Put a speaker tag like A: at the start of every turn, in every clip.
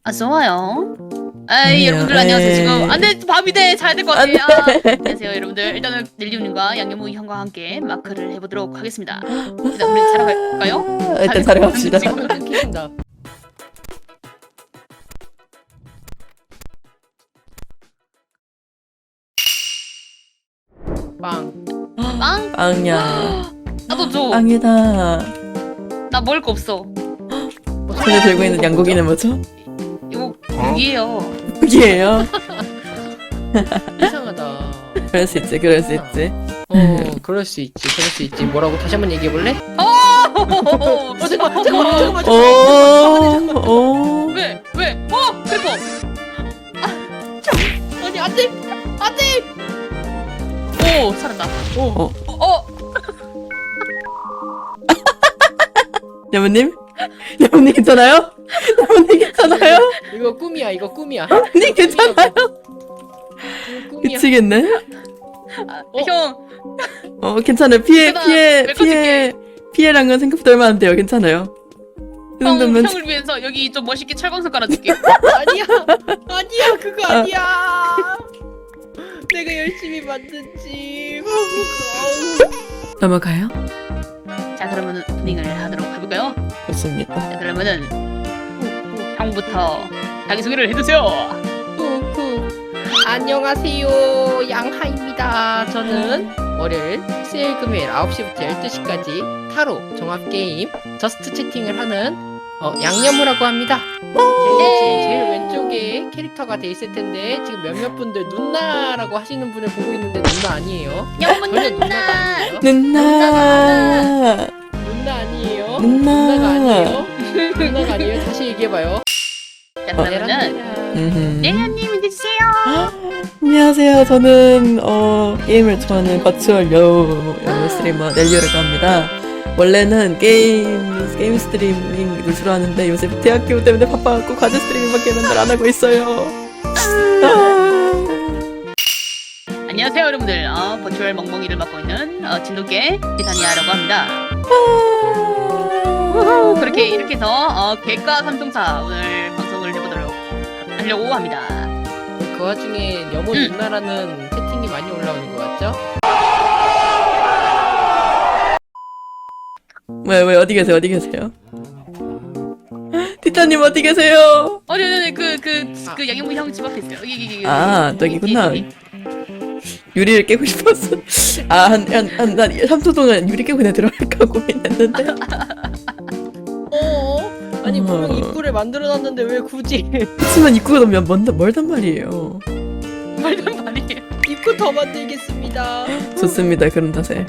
A: 아 좋아요. 에이
B: 아니요,
A: 여러분들 안녕하세요.
B: 에이.
A: 지금 안돼 밤이 돼 자야 될 것 같아. 아, 안녕하세요 여러분들. 일단은 넬리움님과 양념무이 형과 함께 마크를 해보도록 하겠습니다. 일단 우리 자러 갈까요?
B: 일단 자러 갑시다.
A: 지금
C: 킨다. 빵.
A: 빵?
B: 빵이야.
A: 나도 줘.
B: 빵이다.
A: 나 먹을 거 없어.
B: 손에 들고 있는 양고기는 뭐죠?
A: 이거 고기예요.
B: 고기예요.
C: 이상하다.
B: 그럴 수 있지, 그럴 수 있지.
C: 그럴 수 있지, 그럴 수 있지. 뭐라고 다시 한번 얘기해 볼래?
A: 잠깐만.
B: 오.
A: 왜? 크리퍼.
C: 아니 안돼, 안돼.
A: 오 살았다.
C: 오,
B: 야무님? 야무님 괜찮아요? 야무님 괜찮아요?
C: 이거 꿈이야, 이거 꿈이야.
B: 야무님 괜찮아요?
C: 이거 꿈이야.
B: 미치겠네.
A: 형.
B: 괜찮아요.
A: 괜찮아. 메꿔줄게.
B: 피해랑은 생각보다 얼마 안 돼요. 괜찮아요. 그 정도면
A: 형을 위해서 여기 좀 멋있게 철광석 깔아줄게.
C: 아니야, 아니야, 그거
B: 아.
C: 아니야. 내가 열심히 만든지.
B: 넘어가요?
A: 자 그러면은 오프닝을 하도록 해볼까요?
B: 좋습니다.
A: 자 그러면은 형부터 자기소개를 해주세요.
C: 안녕하세요, 양하입니다. 저는 월요일, 수요일, 금요일 9시부터 12시까지 타로 종합게임 저스트 채팅을 하는 양념우라고 합니다. 제일 왼쪽에 캐릭터가 돼 있을 텐데 지금 몇몇 분들 누나라고 하시는 분을 보고 있는데 누나 아니에요.
A: 영문
C: 전혀 누나가 아니에요.
B: 누나.
C: 누나 아니에요.
B: 누나.
C: 누나가 아니에요. 누나가 아니에요. 다시 얘기해봐요.
A: 자 그러면은 내년님 해주세요.
B: 안녕하세요. 저는 게임을 좋아하는 버추얼 여우 스트리머 넬리오라고 합니다. 원래는 게임 스트리밍을 주로 하는데 요새 대학교 때문에 바빠갖고 과제 스트리밍밖에 맨날 안 하고 있어요.
A: 안녕하세요 여러분들. 버추얼 멍멍이를 맡고 있는 진돗개 티타니아라고 합니다. 그렇게 이렇게 해서 개과 삼총사 오늘 방송을 해보도록 하려고 합니다.
C: 그 와중에 여모 누나라는 채팅이 많이 올라오는 것 같죠?
B: 왜 어디 계세요? 어디 계세요? 티타님 어디 계세요?
A: 네네네 그 양형무 형 집 앞에 있어요. 여기
B: 아, 저기구나. 유리를 깨고 싶었어. 한 3초 동안 유리 깨고 그냥 들어갈까 고민했는데.
C: 아니 분명 입구를 만들어놨는데 왜 굳이
B: 하지만 입구가 너무 멀단 말이에요.
A: 말단 말이에요.
C: 입구 더 만들겠습니다.
B: 좋습니다. 그런 탓에.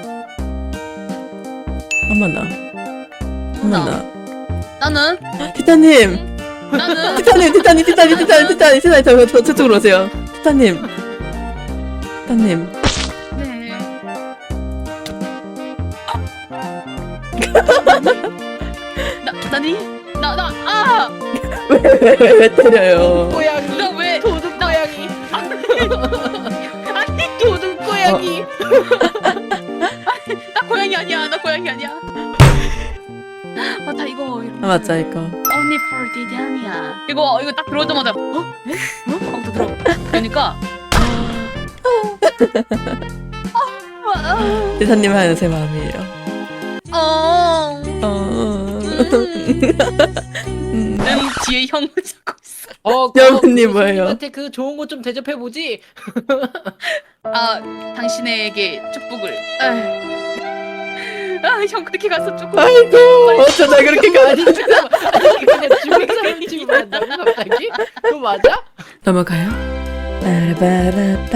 B: 한번 나.
A: 나는
B: 티타님!
A: 나는
B: 티타님! 저쪽으로 오세요. 티타님.
A: 네. 나니?
B: 왜 때려요?
C: 고양이.
A: 나 왜?
C: 도둑 고양이.
A: 아니
C: 도둑 고양이.
A: 나 고양이 아니야. 맞다 이거.
B: 맞자, 이거.
A: Only for Didiania. 이거 딱 들어오자마자 에? 하고 들어. 그러니까
B: 티타님 하는 제 마음이에요.
A: 는 뒤에 형을 잡고 있어.
B: 여러분님 뭐예요?
C: 한테 그 좋은 거 좀 대접해 보지.
A: 당신에게 축복을. 형 그렇게 가서 조금.
B: 아이고, 어쩌다 그렇게 가.
C: 아니 잠깐만. 아니 그냥 중국사람 집으로 한다고 갑자기? 그거 맞아?
B: 넘어가요? 빠라바라빠.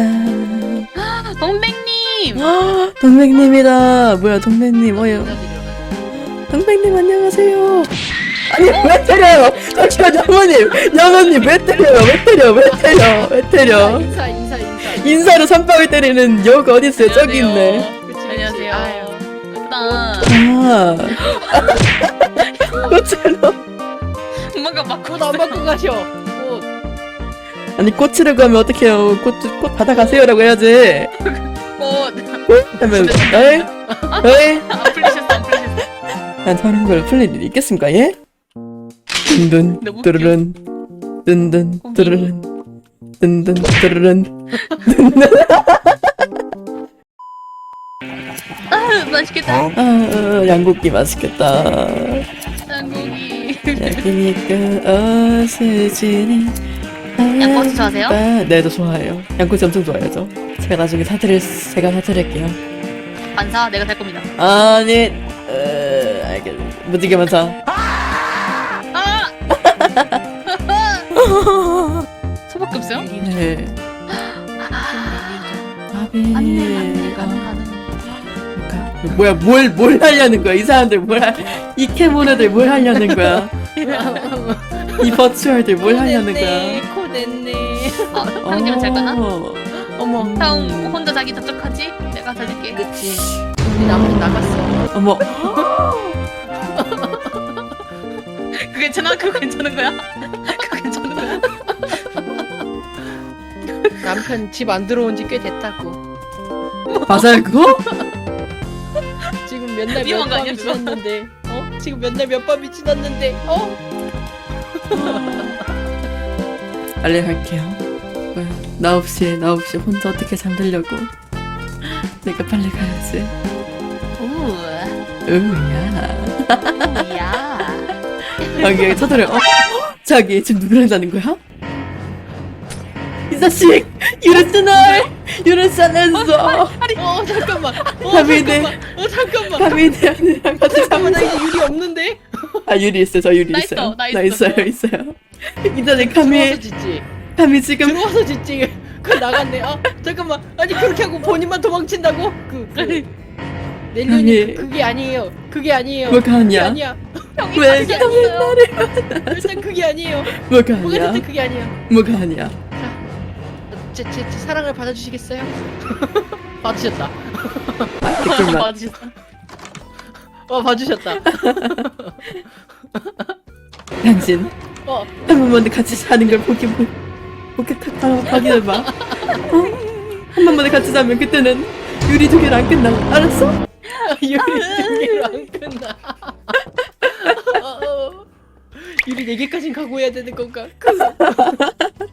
A: 동백님.
B: 동백님이다. 뭐야, 동백님. 동백님 안녕하세요. 아니 왜 때려요? 잠시만 영호님 왜 때려?
C: 인사.
B: 인사로 선빵을 때리는 여우가 어디 있어요? 저기 있네.
C: 그치.
A: 안녕하세요.
C: 아유.
A: 일단
B: 꽃으로.
A: 엄마가 막
C: 꽃 안 받고 가셔. 꽃.
B: 아니 꽃이라고 하면 어떡해요? 꽃 받아가세요라고 해야지. 하면 에이?
A: 안 풀리셨어.
B: 난 저런 걸 풀릴 일이 있겠습니까? 예? 둔둔
A: 너무
B: 뚜루룬 든든 드르른 든든 드르른.
A: 아, 맛있겠다.
B: 양고기 맛있겠다.
A: 양고기.
B: 여기니까 어스지니.
A: 양꼬치 좋아하세요?
B: 네, 저 좋아해요. 양꼬치 엄청 좋아해요. 제가 나중에 제가 사드릴게요.
A: 반사 내가 살 겁니다.
B: 아니, 알겠어. 무지개만 사.
A: 아! 소밖에 없어요?
B: 네.
A: 안돼 안돼 가능.
B: 뭐야, 뭘 하려는 거야? 이 사람들 이 캐모네들 뭘 하려는 거야? 이 버추얼들 뭘 하려는 거야?
C: 코 냈네.
A: 형님은 잘 거나?
C: 어머.
A: 형 혼자 자기 접촉하지? 내가 살릴게.
C: 그치. 우리 남편 나갔어.
B: 어머,
A: 그거 괜찮아? 그거 괜찮은 거야? 그거 괜찮은 거야?
C: 남편 집 안 들어온 지 꽤 됐다고.
B: 맞아요 그거?
C: 지금 몇 날 몇
A: 위험한 거
C: 밤이
A: 아니야, 그거?
C: 지났는데. 지금 몇 날 몇 밤이 지났는데.
B: 빨리 갈게요. 뭐야, 나 없이 혼자 어떻게 잠들려고? 내가 빨리 가야지.
A: 오,
B: 으야.
A: 야.
B: 여기 쳐들어. 자기 지금 누구랑 자는 거야? 이 자식! 유르스냈어!
C: 잠깐만.
B: 가미네.
C: 잠깐만.
B: 가미네 언니랑 같이
C: 잠깐만, 나
B: 자면서.
C: 이제 유리 없는데?
B: 아, 유리 있어요. 저 유리
A: 나
B: 있어요.
A: 있어, 나
B: 나
A: 있어.
B: 있어요. 이 자식
C: 들어와서 짓지.
B: 감히 지금
C: 들어와서 짓지. 그 나갔네. 잠깐만. 아니 그렇게 하고 본인만 도망친다고? 넬리언이
B: 아니.
C: 그게 아니에요. 그게 아니에요.
B: 뭐가
C: 그게
B: 아니야?
C: 아니야.
A: 형이
B: 왜
A: 그게 아니에요.
C: 일단 그게 아니에요.
B: 뭐가
C: 뭐가
B: 아니야?
C: 됐든 그게 아니야.
B: 뭐가 아니야?
C: 제 사랑을 받아주시겠어요? 받으셨다.
B: 댓글만.
A: 맞으셨어.
C: 봐주셨다.
B: 당신
C: 어,
B: 한 번만 같이 사는 걸 확인해봐. 한 번만 같이 자면 그때는 유리 두 개를 안 끝나. 알았어?
C: 유리 4개로 안 끝나. 유리 4개까진 각오해야 되는 건가?